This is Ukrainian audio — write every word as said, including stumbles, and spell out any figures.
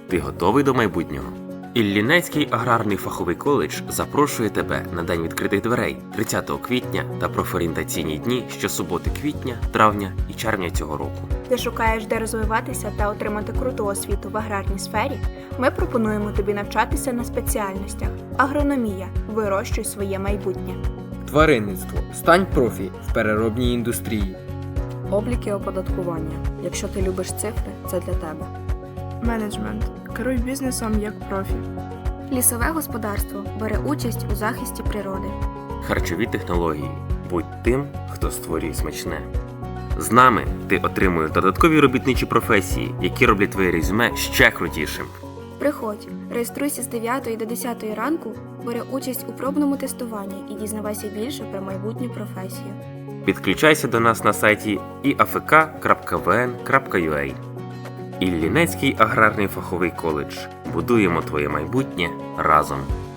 Ти готовий до майбутнього? Іллінецький аграрний фаховий коледж запрошує тебе на День відкритих дверей тридцятого квітня та профорієнтаційні дні щосуботи квітня, травня і червня цього року. Ти шукаєш, де розвиватися та отримати круту освіту в аграрній сфері? Ми пропонуємо тобі навчатися на спеціальностях. Агрономія. Вирощуй своє майбутнє. Тваринництво. Стань профі в переробній індустрії. Облік і оподаткування. Якщо ти любиш цифри, це для тебе. Менеджмент. Керуй бізнесом як профі. Лісове господарство бере участь у захисті природи. Харчові технології. Будь тим, хто створює смачне. З нами ти отримуєш додаткові робітничі професії, які роблять твоє резюме ще крутішим. Приходь, реєструйся з дев'ятої до десятої ранку, бери участь у пробному тестуванні і дізнавайся більше про майбутню професію. Підключайся до нас на сайті і а ф к крапка в н крапка ю а. Іллінецький аграрний фаховий коледж. Будуємо твоє майбутнє разом.